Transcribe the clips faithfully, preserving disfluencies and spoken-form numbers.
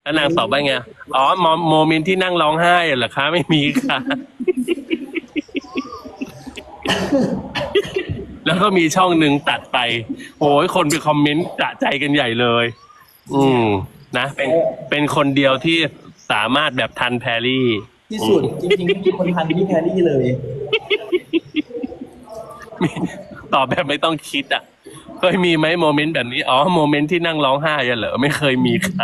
แล้วนางตอบว่าไงอ๋อโมโมเมนต์ที่นั่งร้องไห้เหรอคะไม่มีค่ะ แล้วก็มีช่องหนึ่งตัดไปโอ้ยคนไปคอมเมนต์จะใจกันใหญ่เลย อืมนะเป็นเป็นคนเดียวที่สามารถแบบทันแพรรี่ที่สุดจริงๆไม่มีคนทันพี่แพรรี่เลยมีตอบแบบไม่ต้องคิดอ่ะเคยมีไหมโมเมนต์แบบนี้อ๋อโมเมนต์ที่นั่งร้องไห้อะเหรอไม่เคยมีค่ะ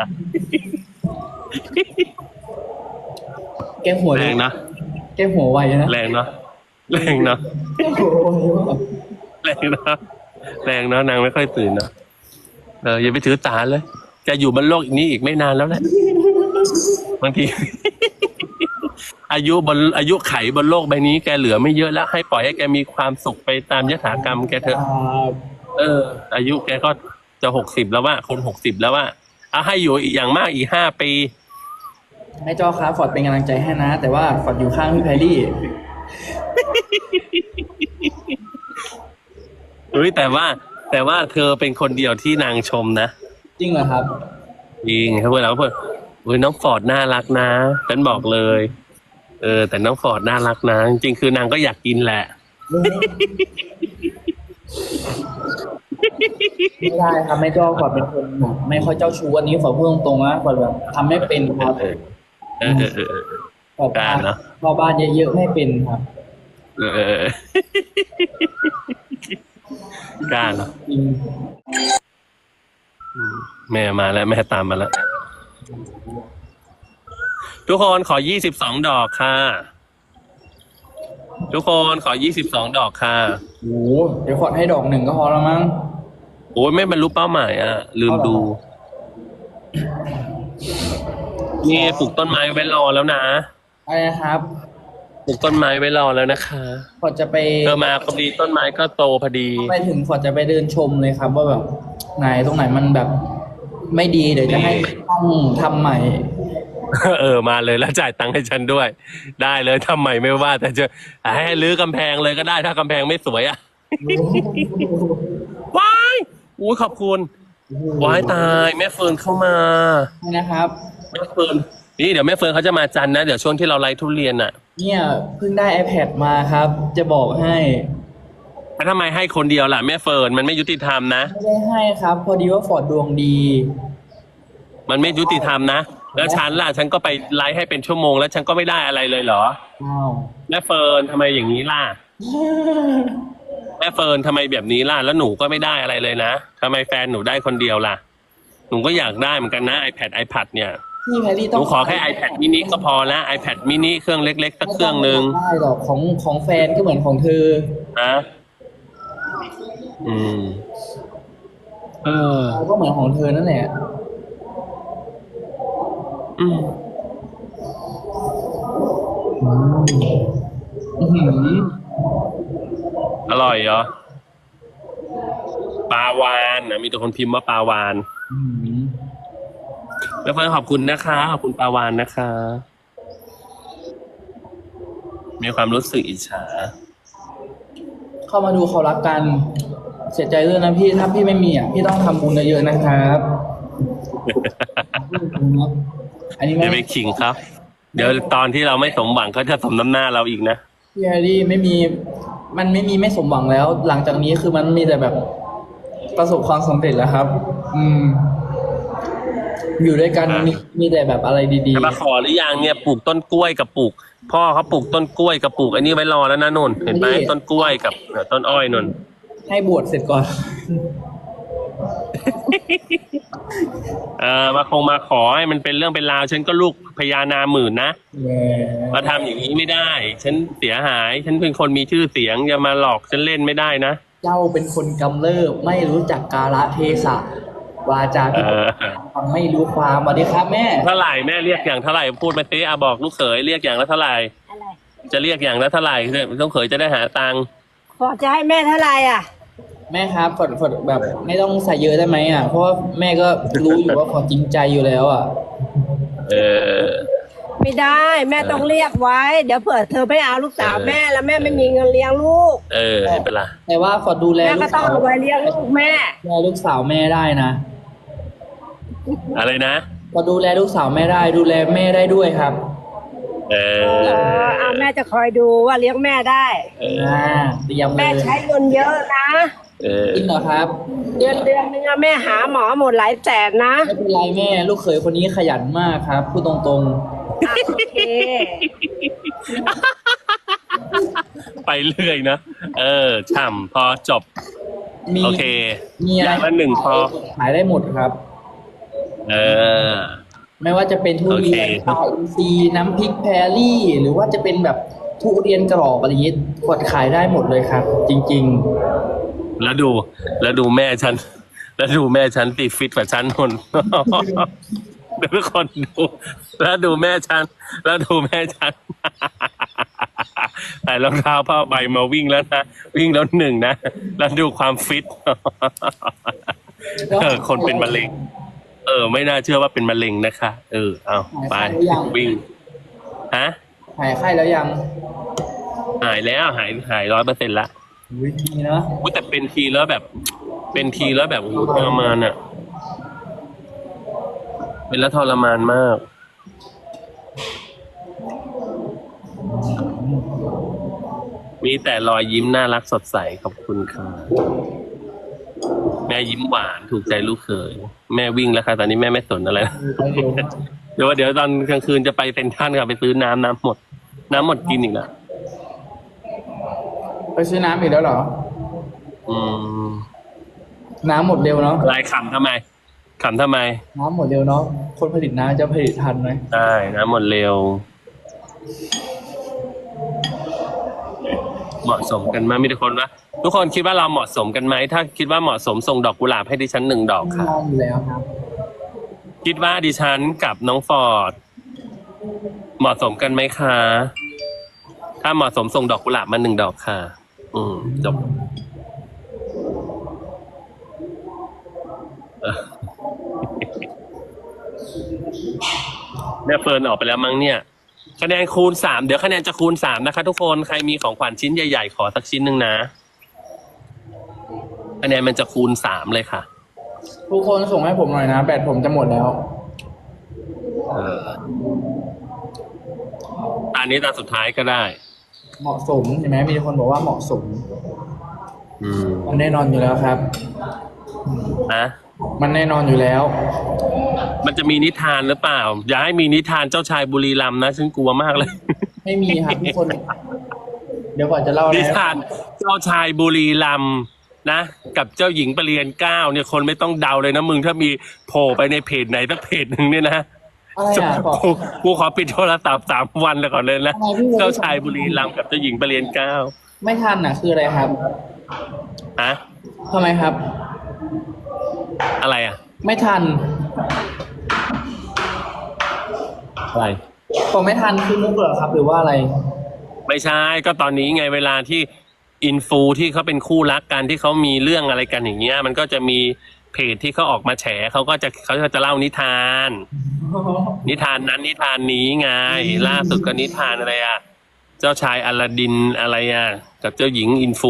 แกหัวแรงนะแกหัวไวนะแรงเนาะแรงเนาะแกหัวไวมากแรงเนาะแรงเนาะนางไม่ค่อยตื่นเนาะเอออย่าไปถือตาเลยจะอยู่บนโลกนี้อีกไม่นานแล้วแหละบางที อายุบนอายุไขบนโลกใบนี้แกเหลือไม่เยอะแล้วให้ปล่อยให้แกมีความสุขไปตามยถากรรมแกเถอะ เออ อายุแกก็จะหกสิบแล้วว่าคนหกสิบแล้วว่าเอาให้อยู่อีกอย่างมากอีกห้าปีแม่จอครับฟอร์ดเป็นกำลังใจให้นะ แต่ว่าฟอร์ดอยู่ข้างพี่แพรรี่เฮ้ยแต่ว่าแต่ว่าเธอเป็นคนเดียวที่นางชมนะจริงเหรอครับจริงเขาพูดแล้วเพื่อนเฮ้ยน้องฟอร์ดน่ารักนะฉันบอกเลย เออ แต่น้องฟอร์ดน่ารักนะจริงๆคือนางก็อยากกินแหละไม่ได้ครับแม่จอฟอร์ดเป็นคนแบบไม่ค่อยเจ้าชู้อันนี้ฟอร์ดพูดตรงๆนะฟอร์ดแบบทำไม่เป็นครับเออเออเออเออเออฟอร์ดกล้าเนอะเข้าบ้านเยอะๆไม่เป็นครับเออเออเออ กล้าเนาะจริงแม่มาแล้วแม่ตามมาแล้ว ทุกคนขอยี่สิบสองดอกค่ะ ทุกคนขอยี่สิบสองดอกค่ะโอ้โหเดี๋ยวฟอร์ดให้ดอกหนึ่งก็พอแล้วมั้งโอ้ยไม่บรรลุเป้าหมายอ่ะ ลืมดู นี่ปลูกต้นไม้ไว้รอแล้วนะอะไรนะครับปลูกต้นไม้ไว้รอแล้วนะคะฟอร์ดจะไปเธอมาพอดีต้นไม้ก็โตพอดีไปถึงฟอร์ดจะไปเดินชมเลยครับ ว่าแบบไหนตรงไหนมันแบบ ไม่ดีเดี๋ยวจะให้ต้องทำใหม่เออมาเลยแล้วจ่ายตังค์ให้ฉันด้วย ได้เลยทำใหม่ไม่ว่า แต่จะให้รื้อกำแพงเลยก็ได้ถ้ากำแพงไม่สวยอ่ะ ว้ายอุ้ยขอบคุณว้ายตายแม่เฟิร์นเข้ามานะครับแม่เฟิร์นนี่เดี๋ยวแม่เฟิร์นเขาจะมาจันทร์นะเดี๋ยวช่วงที่เราไลฟ์ทุเรียนอ่ะเนี่ยเพิ่งได้ iPad มาครับ จะบอกให้แล้วทำไมให้คนเดียวล่ะแม่เฟิร์นมันไม่ยุติธรรมนะไม่ได้ให้ครับ พอดีว่าฟอร์ดดวงดีมันไม่ยุติธรรมนะแล้วฉันล่ะฉันก็ไปไลฟ์ให้เป็นชั่วโมงแล้วฉันก็ไม่ได้อะไรเลยเหรออ้าวแม่เฟิร์นทำไมอย่างนี้ล่ะแม่เฟิร์นทำไมแบบนี้ล่ะแล้วหนูก็ไม่ได้อะไรเลยนะทำไมแฟนหนูได้คนเดียวล่ะหนูก็อยากได้เหมือนกันนะ iPad iPad เนี่ยพี่แพรรี่หต้อนูงขอแค่ iPad mini ก็พอละ iPad mini เครื่องเล็กๆสักเครื่องหนึ่งไม่ได้หรอกของของแฟนก็เหมือนของเธอนะอืม เออก็เหมือนของเธอนั่นแหละอืมอื้อหืออร่อยเหรอปลาวานนะมีตัวคนพิมพ์ว่าปลาวานอื้อหือแล้วเพื่อนขอบคุณนะคะขอบคุณปลาวานนะคะ มีความรู้สึกอิจฉาเข้ามาดูเขารักกัน เสียใจด้วยนะพี่ถ้าพี่ไม่มีอ่ะพี่ต้องทำบุญเยอะๆนะครับ อันนี้เดี๋ยวไปไม่ขิงครับ เดี๋ยวตอนที่เราไม่สมหวังเขาจะสมน้ำหน้าเราอีกนะพี่แฮร์รี่ไม่มี มันไม่มีไม่สมหวังแล้ว หลังจากนี้คือมันมีแต่แบบประสบความสำเร็จแล้วครับ อืม อยู่ด้วยกันอ่ามีมีมีแต่แบบอะไรดีจะมาขอหรือยังเนี่ยปลูกต้นกล้วยกับปลูก พ่อเขาปลูกต้นกล้วยกับปลูกอันนี้ไว้รอแล้วนะนนท์เห็นไหมต้นกล้วยกับเอ่อต้นอ้อยนนท์ๆ ให้บวชเสร็จก่อนเออมาคงมาขอให้มันเป็นเรื่องเป็นราวฉันก็ลูกพญานาหมื่นนะแหมมาทำอย่างนี้ไม่ได้ ฉันเสียหาย ฉันเป็นคนมีชื่อเสียงอย่ามาหลอกฉันเล่นไม่ได้นะเจ้าเป็นคนกำเริบไม่รู้จักกาลเทศะวาจาเออฟังไม่รู้ความสวัสดีครับแม่เท่าไหร่แม่เรียกอย่างเท่าไหร่พูดมาสิอาบอกลูกเขยเรียกอย่างละเท่าไหร่อะไรจะเรียกอย่างละเท่าไหร่ต้องเขยจะได้หาตังค์ขอจะให้แม่เท่าไหร่อ่ะแม่ครับฝดฝดแบบไม่ต้องใส่เยอะได้ไหมอ่ะ เพราะว่าแม่ก็รู้อยู่ว่าขอจริงใจอยู่แล้วอ่ะเออไม่ได้แม่ต้องเรียกไว้ เดี๋ยวเผื่อเธอไม่เอาลูกสาวเออแม่แล้วแม่ไม่มีเงินเลี้ยงลูกเออไม่เป็นไรแต่ว่าฝดดูแลแม่ลูก็กต้องสาวเอาไว้เลี้ยงลูกแม่ดูแลลูกสาวแม่ได้นะอะไรนะพอดูแลลูกสาวแม่ได้ดูแลแม่ได้ด้วยครับเอเอออเอาแม่จะคอยดูว่าเลี้ยงแม่ได้อ่าเตรียมเลแม่ยใช้เงินเยอะนะเออจริงเหรอครับเดือนเดือนนึงอะแม่หาหมอหมดหลายแสนนะไม่เป็นไรแม่ลูกเขยคนนี้ขยันมากครับพูดตรงอ่ะโอเคไปเรื่อยนะ เออฉ่ำพอจบๆ มีโอเคมีอะไรอย่างละหนึ่งพอขายได้หมดครับเออไม่ว่าจะเป็นทุเรียนโอเคปลาอินทรีย์น้ำพริกแพรลี่ หรือว่าจะเป็นแบบทุเรียนกรอบอะไรอย่างนี้กดขายได้หมดเลยครับ จริงแล้วดู แล้วดูแม่ฉัน แล้วดูแม่ฉันตีฟิตกว่าฉันคน เดี๋ยวทุกคนดู แล้วดูแม่ฉัน แล้วดูแม่ฉัน ใส่รองเท้าผ้าใบมาวิ่งแล้วนะ วิ่งแล้วหนึ่งนะ แล้วดูความฟิตๆเออ คนเป็นมะเร็ง เออ ไม่น่าเชื่อว่าเป็นมะเร็งนะคะ เออ เอาไป วิ่ง ฮะหายไข้แล้วยังหายแล้ว หาย หายร้อยเปอร์เซ็นต์ละอุ๊ยดีเนาะอุ๊ยแต่เป็นทีแล้วแบบ เป็นทีแล้วแบบโอ้โหทรมานอ่ะ เป็นแล้วทรมานมาก มีแต่รอยยิ้มน่ารักสดใสขอบคุณค่ะแม่ยิ้มหวานถูกใจลูกเขยแม่วิ่งแล้วค่ะตอนนี้แม่ไม่สนอะไรแล้วเร็วมากเดี๋ยวเดี๋ยวตอนกลางคืนจะไปเซ็นทรัลค่ะไปซื้อน้ำน้ำหมด น้ำหมดกินอีกแล้วไปซื้อน้ำอีกแล้วเหรออืมน้ำหมดเร็วเนาะลายขำทำไมขำทำไมน้ำหมดเร็วเนาะคนผลิตน้ำจะผลิตทันไหมใช่น้ำหมดเร็ว เหมาะสมกันไหมมีทุกคนว่าทุกคนคิดว่าเราเหมาะสมกันไหมถ้าคิดว่าเหมาะสมส่งดอกกุหลาบให้ดิฉันหนึ่งดอกค่ะนอนอยู่แล้วครับคิดว่าดิฉันกับน้องฟอร์ดเหมาะสมกันไหมคะ ถ้าเหมาะสมส่งดอกกุหลาบมาหนึ่งดอกค่ะ อืมจบเออแม่เฟิร์นออกไปแล้วมั้งเนี่ยคะแนนคูณสามเดี๋ยวคะแนนจะคูณสามนะคะ ทุกคนใครมีของขวัญชิ้นใหญ่ๆขอสักชิ้นหนึ่งนะคะแนนมันจะคูณสามเลยค่ะทุกคนส่งให้ผมหน่อยนะ แบตผมจะหมดแล้วเออตอนนี้ตอนสุดท้ายก็ได้เหมาะสมใช่ไหมมีคนบอกว่าเหมาะสมอืมมันแน่นอนอยู่แล้วครับนะมันแน่นอนอยู่แล้วมันจะมีนิทานหรือเปล่า อย่าให้มีนิทานเจ้าชายบุรีรัมย์นะฉันกลัวมากเลยไม่มีครับทุกคน เดี๋ยวก่อนจะเล่านินะทานเจ้าชายบุรีรัมย์นะกับเจ้าหญิงประเรียนเก้าเนี่ยคนไม่ต้องเดาเลยนะมึงถ้ามีโผล่ไปในเพจไหนสักเพจหนึ่งเนี่ยนะอะไรอ่ะบอกกูกูขอปิดโทรศัพท์สามวันเลยก่อนเลยนะทำไมพี่เจ้าชายบุรีรัมย์กับเจ้าหญิงประเรียนเก้าไม่ทันอ่ะ คืออะไรครับอะทำไมครับอะไรอะไม่ทันอะไรผมไม่ทันคือมุกเหรอครับ หรือว่าอะไรไม่ใช่ก็ตอนนี้ไงเวลาที่อินฟูที่เขาเป็นคู่รักกันที่เขามีเรื่องอะไรกันอย่างเงี้ย มันก็จะมีเพจที่เขาออกมาแฉเขาก็จะเขาก็จะเล่านิทาน นิทานนั้นนิทานนี้ไง ล่าสุดก็นิทานอะไรอ่ะ เจ้าชายอลาดินอะไรอ่ะ กับเจ้าหญิงอินฟู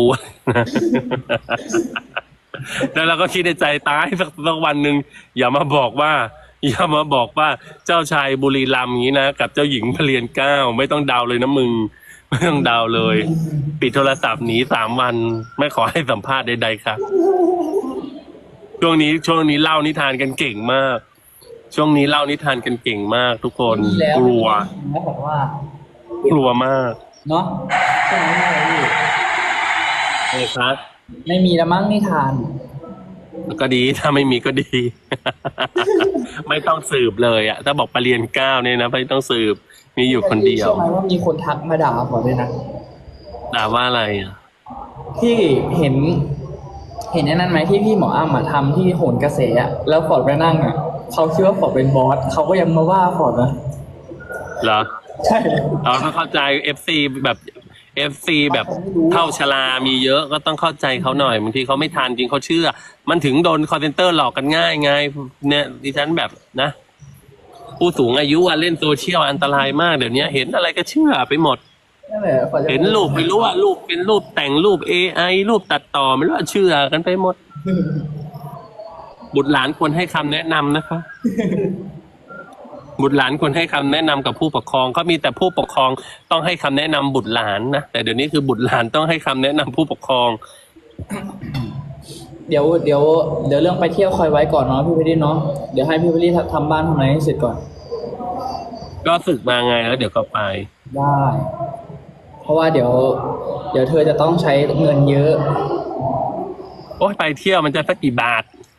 แล้วเราก็คิดในใจตายสักสักวันหนึ่งอย่ามาบอกว่า อย่ามาบอกว่าเจ้าชายบุรีรัมย์อย่างนี้นะกับเจ้าหญิงพระเรียนเก้าไม่ต้องเดาเลยนะมึง ไม่ต้องเดาเลย ปิดโทรศัพท์หนีสามวัน ไม่ขอให้สัมภาษณ์ใดๆครับช่วงนี้ช่วงนี้เล่านิทานกันเก่งมาก ช่วงนี้เล่านิทานกันเก่งมาก ทุกคนมีแล้วกลัวแล้วบอกว่ากลัวมากเนาะใช่ไหมพี่เออครับไม่มีแล้วมั้งนิทานก็ดีถ้าไม่มีก็ดี ไม่ต้องสืบเลยอ่ะ ถ้าบอกปรเรียนเก้าเนี่ยนะไม่ต้องสืบมีอยู่คนเดียวใช่ไหมว่ามีคนทักมาด่าผมเลยนะด่าว่าอะไรอ่ะที่เห็น เห็นไอ้นั่นไหมที่พี่หมออ้ำอะทำที่โหนกระแสอะแล้วฟอร์ดไปนั่งอะเขาคิดว่าฟอร์ดเป็นบอสเขาก็ยังมาว่าฟอร์ดนะเหรอใช่เราต้องเข้าใจเอฟซีแบบเอฟซีแบบเท่าชรามีเยอะก็ต้องเข้าใจเขาหน่อยบางทีเขาไม่ทานจริงเขาเชื่อ มันถึงโดนคอร์เซนเตอร์หลอกกันง่ายไงเนี่ยดิฉันแบบนะ ผู้สูงอายุอะเล่นโซเชียลอันตรายมากเดี๋ยวนี้เห็นอะไรก็เชื่อไปหมดนั่นแหละฟอร์ดจะเห็นรูปไม่รู้ว่ารูปเป็นรูปแต่งรูป เอ ไอ รูปตัดต่อไม่รู้ว่าเชื่อกันไปหมด บุตรหลานควรให้คำแนะนำนะคะบุตรหลานควรให้คำแนะนำกับผู้ปกครองเขามีแต่ผู้ปกครองต้องให้คำแนะนำบุตรหลานนะแต่เดี๋ยวนี้คือบุตรหลานต้องให้คำแนะนำผู้ปกครองเดี๋ยวเดี๋ยวเดี๋ยวเรื่องไปเที่ยวคอยไว้ก่อนเนาะพี่เพชรดีเนาะเดี๋ยวให้พี่เพชรดีทำบ้านทำอะไรให้เสร็จก่อนก็ศึกมาไงแล้วเดี๋ยวก็ไปได้ เพราะว่าเดี๋ยว เดี๋ยวเธอจะต้องใช้เงินเยอะโอ้ยไปเที่ยวมันจะสักกี่บาท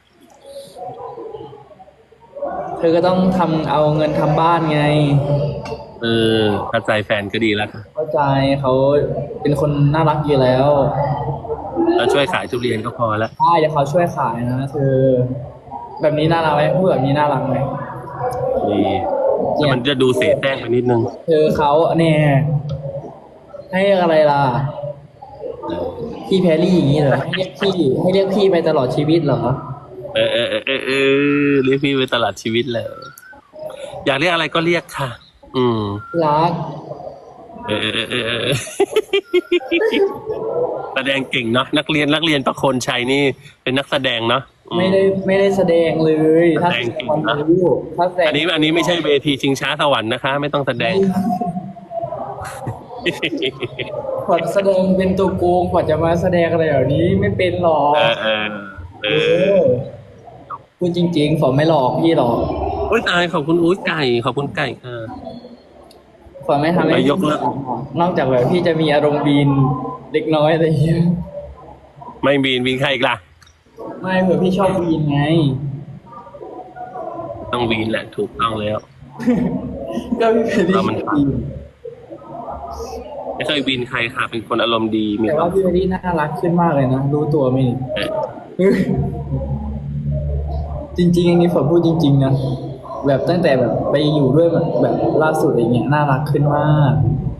เธอก็ต้องทำเอาเงินทำบ้านไงเออเข้าใจแฟนก็ดีแล้วค่ะเข้าใจเขาเป็นคนน่ารักอยู่แล้วเราช่วยขายทุเรียนก็พอแล้วใช่เดี๋ยวเขาช่วยขายนะเธอ แบบนี้น่ารักไหมพูดแบบนี้น่ารักไหมดีแต่มันจะดูเสแสร้งไปนิดนึงเธอเขาเนี่ยให้เรียกอะไรล่ะ พี่แพรรี่อย่างนี้เหรอให้เรียกพี่ให้เรียกพี่ไปตลอดชีวิตเหรอเออเออเออเออเออเรียกพี่ไปตลอดชีวิตเลยอยากเรียกอะไรก็เรียกค่ะ อืมรักเออเออเออเออ แสดงเก่งเนาะนักเรียนนักเรียนประโคนชัยนี่เป็นนักแสดงเนาะอืมไม่ได้ไม่ได้แสดงเลย ถ้าแสดงจริงคนนะรู้ถ้าแสดงอันนี้อันนี้ไม่ใช่เวทีชิงช้าสวรรค์นะคะ ไม่ต้องแสดงขวัญแสดงเป็นตัวโกงขวัญจะมาแสดงอะไรแบบนี้ไม่เป็นหรอกเออเออเอเอออพูดจริงๆฝนไม่หลอกพี่หรอกอุ้ยตายขอบคุณอุ้ยไก่ขอบคุณไก่ค่ะฝนไม่ทำให้ไปยกเลิกนอกจากแบบพี่จะมีอารมณ์บีนเล็กน้อยอะไรอย่างเงี้ยไม่บีนบีนใครอีกล่ะไม่เผื่อพี่ชอบบีนไงต้องบีนแหละถูกต้องแล้วก็พี่เป็นเรามันบีนไม่เคยบีนใครค่ะ เป็นคนอารมณ์ดีมีแต่ควาว่าม พี่เบดี้น่ารักขึ้นมากเลยนะรู้ตัวไหมนี่เออจริงๆอันนี้ฝนพูดจริง ๆนะแบบตั้งแต่แบบไปอยู่ด้วยแบบแบบล่าสุดอะไรเงี้ยน่ารักขึ้นมาก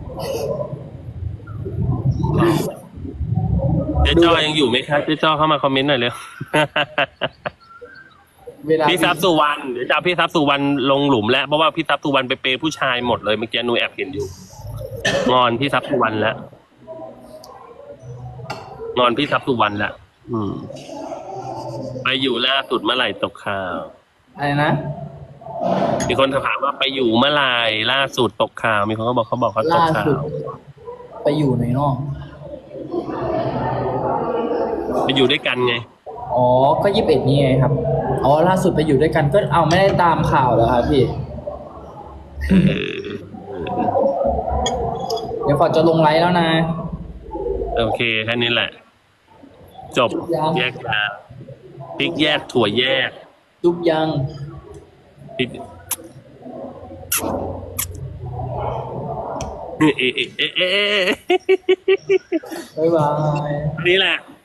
เจ๊จ้อยังอยู่ไหมครับเจ๊จ้อเข้ามาคอมเมนต์หน่อยเร็วเวลาพี่ทรัพย์สุวรรณเดี๋ยวจะเอาพี่ทรัพย์สุวรรณลงหลุมแล้วเพราะว่าพี่ทรัพย์สุวรรณไปเปย์ผู้ชายหมดเลยเมื่อกี้หนูแอบเห็นอยู่ งอนพี่ทรัพย์สุวรรณแล้วงอนพี่ทรัพย์สุวรรณแล้วอืม ไปอยู่ล่าสุดเมื่อไหร่ตกข่าวอะไรนะมีคนถามว่าไปอยู่เมื่อไหร่ล่าสุดตกข่าว มีคนก็บอกเขาบอกเขาตกล่าข่าสุดวไปอยู่ไหนเนอกไปอยู่ด้วยกันไงอ๋อ ก็ยี่สิบเอ็ดนี่ไงครับ อ๋อ ล่าสุดไปอยู่ด้วยกันก็เอาไม่ได้ตามข่าวเหรอครับพี่เออเดี๋ยวขอจะลงไลน์แล้วนะโอเคแค่นี้แหละ จบยังแยกยาพริกแยกถั่วแยกจุ๊บยังพริกเอ๊ะเอ๊ะเอ๊ะเอ๊ะบ๊ายบายนี่แหละ